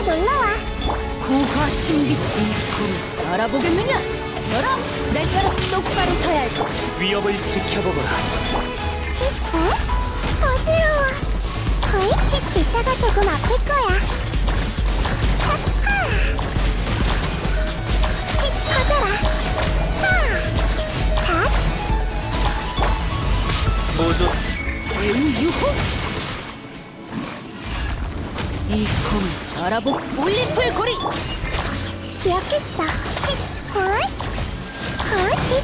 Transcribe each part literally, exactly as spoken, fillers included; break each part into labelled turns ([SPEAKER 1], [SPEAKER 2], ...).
[SPEAKER 1] 놀러와.
[SPEAKER 2] 고화 신비 이꿈 알아보겠느냐? 열어! 날 따라 똑바로 서야 할 것.
[SPEAKER 3] 위협을 지켜보거라.
[SPEAKER 1] 어? 어지러워. 거의 이따가 조금 아플 거야. 하하. 휙 터져라. 하. 닷.
[SPEAKER 3] 모조
[SPEAKER 2] 제우유호! 이꿈 알아보 올림플 고리!
[SPEAKER 1] 기억했어. 휙. 헐. 헐. 휙.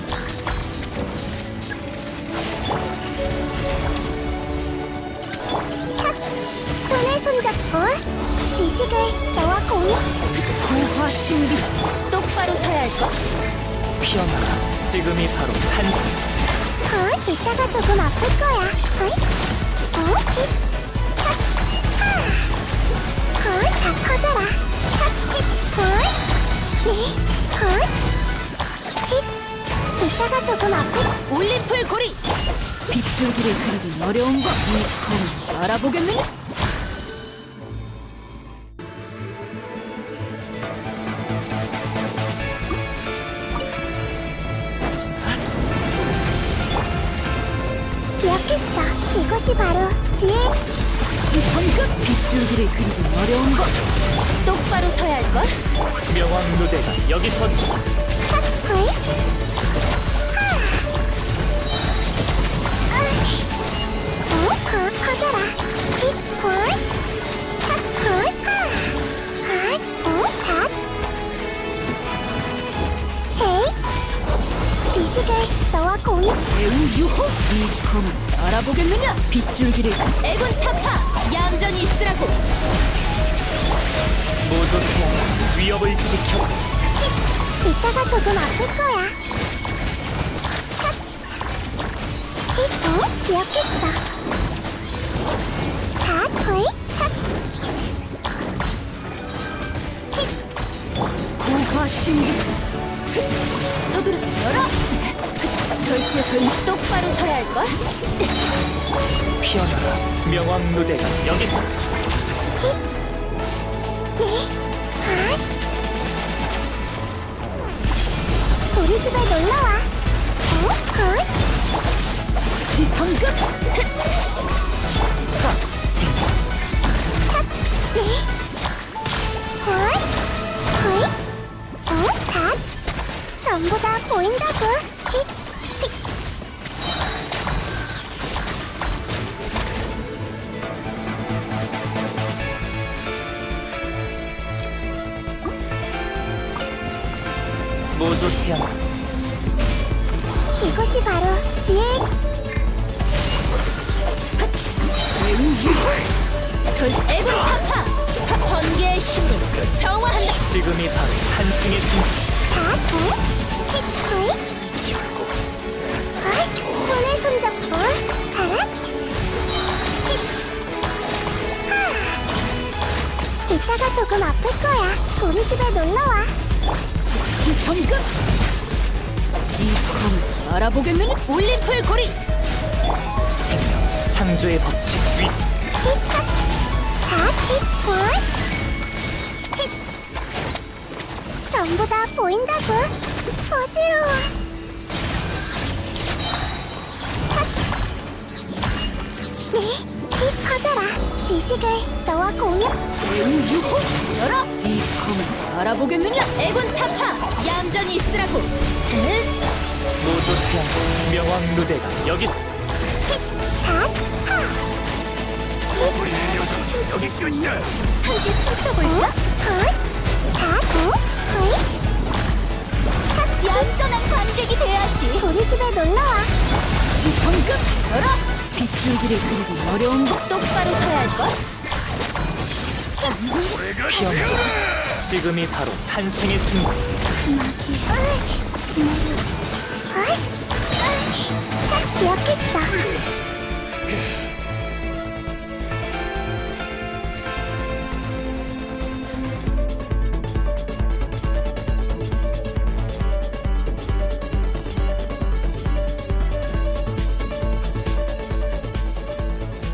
[SPEAKER 1] 탁. 손에 손잡고 지식을 너와 공유.
[SPEAKER 2] 고화 신비 똑바로 서야 할 것.
[SPEAKER 3] 피어나라. 지금이 바로 탄생.
[SPEAKER 1] 어? 이따가 조금 아플 거야. 어이? 어? 잇. 탁. 하. 헐, 다 커져라. 탁. 잇. 헐. 네. 헐. 잇. 이따가 조금 아플.
[SPEAKER 2] 올림플 고리! 빗줄기를 그리기 어려운 것. 이꿈 알아보겠느냐?
[SPEAKER 1] 기억했어. 이것이 바로 지혜.
[SPEAKER 2] 즉시 성급! 빗줄기를 그리기 어려운 것. 똑바로 서야 할 것.
[SPEAKER 3] 명왕 누대가 여기서
[SPEAKER 1] 탁. 헐. 하. 으이. 어? 더 커져라. 잇. 헐. 탁. 헐. 하. 핫. 어? 닷. 헤이. 지식을 너와 공유.
[SPEAKER 2] 제우유호! 이꿈 알아보겠느냐? 빗줄기를 애군 타파! 얌전히 있으라고!
[SPEAKER 3] 모조 태양 위협을 지켜.
[SPEAKER 1] 이따가 조금 아플 거야. 탁. 잇. 어? 기억했어. 닷. 헐. 탁.
[SPEAKER 2] 고화 신비 서두르자 열어! 절제 절 똑바로 서야 할걸?
[SPEAKER 3] 피어나라. 명왕 누대가 여기서
[SPEAKER 1] 우리 집에 놀러와. 어? 헐.
[SPEAKER 2] 즉시 성급!
[SPEAKER 1] 네. 헐. 헐. 어? 닷. 전부 다 보인다고. 휙. 휙.
[SPEAKER 3] 모조 태양
[SPEAKER 1] 이것이 바로 지혜.
[SPEAKER 2] 제우유호! 절 애군 타파! 파- 번개의 힘으로 정화한다!
[SPEAKER 3] 지금이 바로 탄생의 순간.
[SPEAKER 1] 닷. 어? 휙. 헐. 헐. 손에 손잡고 가라. 휙. 하. 이따가 조금 아플 거야. 우리 집에 놀러와.
[SPEAKER 2] 즉시 성급! 이꿈 알아보겠느냐? 올림플 고리!
[SPEAKER 3] 생명 창조의 법칙 위
[SPEAKER 1] 휙. 다 휙. 헐. 휙. 전부 다 보인다고. 어지러워. 탁. 네. 휙 커져라. 지식을 너와 공유.
[SPEAKER 2] 제우유호! 열어! 이꿈 알아보겠느냐? 애군 타파! 얌전히 있으라고! 응?
[SPEAKER 3] 모조 태양 명왕 누대가 여기
[SPEAKER 1] 휙. 닷. 하.
[SPEAKER 3] 여기 끝이야.
[SPEAKER 2] 함께 춤춰볼까?
[SPEAKER 1] 헐. 닷. 어? 헐. 탁.
[SPEAKER 2] 얌전한 관객이 돼야지!
[SPEAKER 1] 우리 집에 놀러와.
[SPEAKER 2] 즉시 성급! 열어! 빗줄기를 그리기 어려운 것 똑바로 서야 할걸?
[SPEAKER 3] 피어나라. 지금이 바로 탄생의 순간.
[SPEAKER 1] 헐. 딱 기억했어.